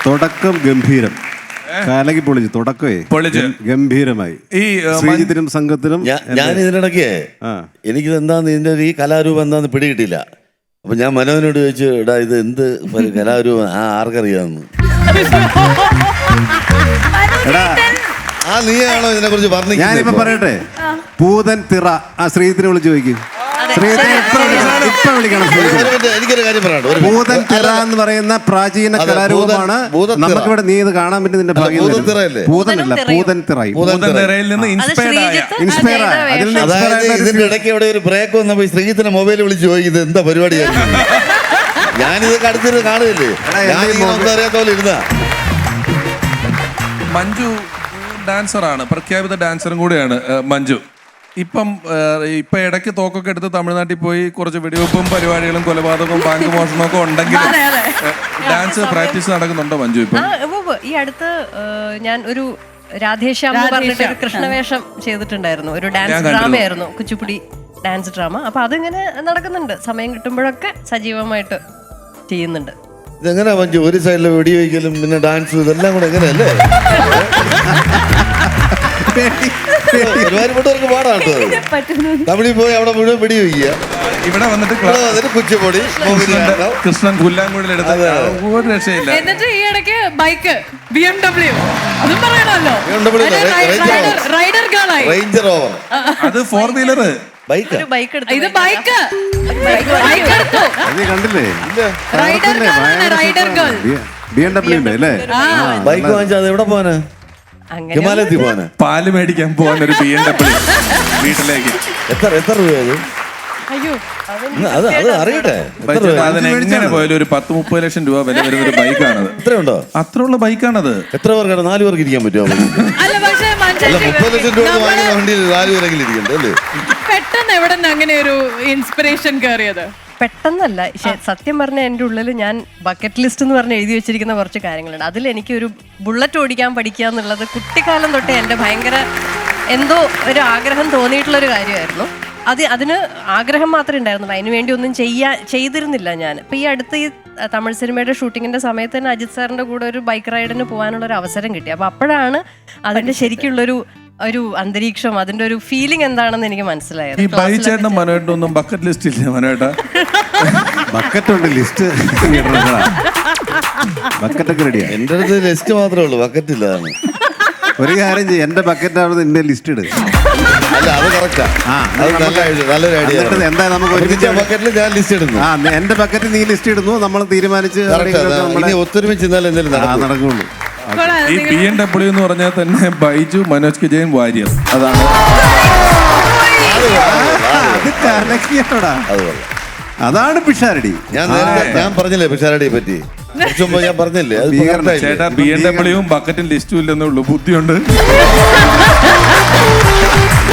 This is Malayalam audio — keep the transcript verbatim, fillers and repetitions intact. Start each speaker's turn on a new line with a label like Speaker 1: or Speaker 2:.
Speaker 1: തുടക്കം ഗംഭീരം, കാലക്ക് പൊളിച്ചു, തുടക്കമേ ഗംഭീരമായി. ഈ ശ്രീജിത്തിനും സംഘത്തിനും
Speaker 2: ഞാൻ ഇതിനിടയ്ക്ക് എനിക്കിത് എന്താന്ന് ഇതിന്റെ ഈ കലാരൂപം എന്താന്ന് പിടികിട്ടില്ല. അപ്പൊ ഞാൻ മനോനോട് ചോദിച്ചു, എടാ ഇത് എന്ത് കലാരൂപം, ആ ആർക്കറിയാന്ന്. ആ നീയാണോ ഇതിനെ കുറിച്ച് പറഞ്ഞു?
Speaker 1: ഞാനിപ്പോ പറയട്ടെ, പൂതൻ തിറ. ആ ശ്രീജിത്തിനെ വിളിച്ചു ചോദിക്കും.
Speaker 2: എനിക്കൊരു കാര്യം പറയാം.
Speaker 1: ഭൂതൻ തിറ എന്ന് പറയുന്ന പ്രാചീന കലാരൂപമാണ്. നമുക്കിവിടെ നീ ഇത് കാണാൻ പറ്റും. നിന്റെ ഭൂതനല്ല, പൂതൻ തിറ.
Speaker 2: അതായത് ഇതിന്റെ ഇടയ്ക്ക് ഇവിടെ ഒരു ബ്രേക്ക് വന്നപ്പോ ശ്രീജിത്തിന്റെ മൊബൈൽ വിളിച്ച് ചോദിക്കും ഇത് എന്താ പരിപാടിയായിരുന്നു. ഞാനിതൊക്കെ അടുത്തിട്ട് കാണുകയല്ലേ, ഞാൻ അറിയാത്ത പോലെ ഇരുന്നാ.
Speaker 3: മഞ്ജു ഡാൻസറാണ്, പ്രഖ്യാപിത ഡാൻസറും കൂടിയാണ് മഞ്ജു. ഇപ്പം ഇപ്പൊ ഇടയ്ക്ക് തോക്കൊക്കെ എടുത്ത് തമിഴ്നാട്ടിൽ പോയി കുറച്ച് വെടിവെപ്പും പരിപാടികളും കൊലപാതകവും ബാങ്ക് മോഷണവും ഒക്കെ ഉണ്ടെങ്കിലും ഡാൻസ് പ്രാക്ടീസ് നടക്കുന്നുണ്ടോ മഞ്ജു? ഇപ്പം
Speaker 4: ഈ അടുത്ത് ഞാൻ ഒരു രാധേശ്യാം എന്ന് പറഞ്ഞിട്ട് ഒരു കൃഷ്ണവേഷം ചെയ്തിട്ടുണ്ടായിരുന്നു. ഒരു ഡാൻസ് ഡ്രാമയായിരുന്നു, കുച്ചിപ്പുടി ഡാൻസ് ഡ്രാമ. അപ്പൊ അതിങ്ങനെ നടക്കുന്നുണ്ട്. സമയം കിട്ടുമ്പോഴൊക്കെ സജീവമായിട്ട് ചെയ്യുന്നുണ്ട്.
Speaker 2: ഇതെങ്ങനെയാ മഞ്ജു, ഒരു സൈഡിലെ വെടി വയ്ക്കലും പിന്നെ ഡാൻസും ഇതെല്ലാം കൂടെ എങ്ങനെയല്ലേ? ഒരുപാട് പാടാണ്. തമിഴിൽ പോയി അവിടെ മുഴുവൻ വെടി വയ്ക്കുക,
Speaker 3: ഇവിടെ വന്നിട്ട്
Speaker 2: കുച്ചിപ്പൊടി
Speaker 3: കൃഷ്ണൻ പുല്ലാങ്കുഴലെടുത്ത് ഒരു രക്ഷയില്ല.
Speaker 5: എന്നിട്ട് ഈ ഇടയ്ക്ക് ബൈക്ക് ബി എം ഡബ്ല്യു അതും പറയണല്ലോ, റൈഡർ ഗേളായി.
Speaker 2: റേഞ്ചർ ഓവർ,
Speaker 3: അത് ഫോർ വീലർ
Speaker 2: ബൈക്ക്.
Speaker 5: ഇത് ബൈക്ക്
Speaker 1: കണ്ടില്ലേ?
Speaker 5: Rider girl, rider girl.
Speaker 1: B M W ഉണ്ട് അല്ലേ?
Speaker 2: ബൈക്ക് വാങ്ങിച്ചാൽ അത് എവിടെ പോവാനാ? ഹിമാലയത്തിൽ പോവാനാ?
Speaker 3: പാല് മേടിക്കാൻ പോവാൻ ഒരു ബി എം ഡബ്ല്യു വീട്ടിലേക്ക്.
Speaker 2: എത്ര എത്ര രൂപയത്?
Speaker 5: അയ്യോ
Speaker 2: അത് അത് അറിയട്ടെ.
Speaker 3: അതിന് എങ്ങനെ പോയാലും ഒരു പത്ത് മുപ്പത് ലക്ഷം രൂപ വില വരുന്ന ഒരു ബൈക്കാണത്.
Speaker 2: എത്രയുണ്ടോ?
Speaker 3: അത്രയുള്ള ബൈക്കാണത്.
Speaker 2: എത്ര പേർക്കാണ്? നാല് പേർക്ക് ഇരിക്കാൻ പറ്റുമോ? മുപ്പത് ലക്ഷം രൂപ വാങ്ങിയ വണ്ടിയിൽ നാല് പേരെങ്കിലും ഇരിക്കണ്ടേ അല്ലേ?
Speaker 5: പെട്ടെന്ന് എവിടെ നിന്ന് അങ്ങനെ ഒരു ഇൻസ്പിറേഷൻ കയറിയത്?
Speaker 4: പെട്ടെന്നല്ല, സത്യം പറഞ്ഞ എൻ്റെ ഉള്ളിൽ ഞാൻ ബക്കറ്റ് ലിസ്റ്റ് എന്ന് പറഞ്ഞ് എഴുതി വെച്ചിരിക്കുന്ന കുറച്ച് കാര്യങ്ങളുണ്ട്. അതിൽ എനിക്കൊരു ബുള്ളറ്റ് ഓടിക്കാൻ പഠിക്കുക എന്നുള്ളത് കുട്ടിക്കാലം തൊട്ടേ എൻ്റെ ഭയങ്കര എന്തോ ഒരു ആഗ്രഹം തോന്നിയിട്ടുള്ളൊരു കാര്യമായിരുന്നു. അത് അതിന് ആഗ്രഹം മാത്രമേ ഉണ്ടായിരുന്നുള്ളൂ, അതിന് വേണ്ടി ഒന്നും ചെയ്യാ ചെയ്തിരുന്നില്ല ഞാൻ. ഇപ്പം ഈ അടുത്ത് ഈ തമിഴ് സിനിമയുടെ ഷൂട്ടിങ്ങിൻ്റെ സമയത്ത് തന്നെ അജിത് സാറിൻ്റെ കൂടെ ഒരു ബൈക്ക് റൈഡിന് പോകാനുള്ള ഒരു അവസരം കിട്ടി. അപ്പോൾ അപ്പോഴാണ് അതിൻ്റെ ശരിക്കുള്ളൊരു ഒരു അന്തരീക്ഷം, അതിന്റെ ഒരു ഫീലിംഗ് എന്താണെന്ന് എനിക്ക് മനസ്സിലായത്.
Speaker 3: ഈ ബൈച്ചേട്ടനും മനോട്ടൊന്നും ബക്കറ്റ് ലിസ്റ്റ് ഇല്ല മനോട്ട?
Speaker 1: ബക്കറ്റ് ഉണ്ട്, ലിസ്റ്റ് ബക്കറ്റൊക്കെ റെഡിയാ.
Speaker 2: എന്റെ അടുത്ത് ലിസ്റ്റ് മാത്രമേ ഉള്ളൂ, ബക്കറ്റ് ഇല്ല.
Speaker 1: ഒരു കാര്യം ചെയ്യും, എന്റെ ബക്കറ്റ് ആവുന്നത് എന്റെ ലിസ്റ്റ് ഇട്.
Speaker 2: അല്ല അത് കറക്റ്റാ, നല്ലൊരു ഐഡിയ.
Speaker 1: എന്താ നമുക്ക്
Speaker 2: ബക്കറ്റിൽ ഞാൻ ലിസ്റ്റ് ഇടുന്നു.
Speaker 1: ആ എന്റെ ബക്കറ്റിൽ നീ ലിസ്റ്റ് ഇടുന്നു, നമ്മൾ തീരുമാനിച്ച്
Speaker 2: ഒത്തൊരുമിച്ച്
Speaker 1: നടക്കുള്ളൂ.
Speaker 3: ഈ ബി എം ഡബ്ല്യു എന്ന് പറഞ്ഞാൽ തന്നെ ബൈജു മനോജ് കെ ജയൻ വാര്യർ, അതാണ്.
Speaker 1: അതാണ് പിഷാരടി.
Speaker 2: ഞാൻ ഞാൻ പറഞ്ഞില്ലേ പിഷാരടിയെ പറ്റി ഞാൻ പറഞ്ഞില്ലേ?
Speaker 3: ചേട്ടാ ബി എം ഡബ്ല്യുവും ബക്കറ്റും ലിസ്റ്റും ഇല്ലെന്നേ ഉള്ളൂ, ബുദ്ധിയുണ്ട്.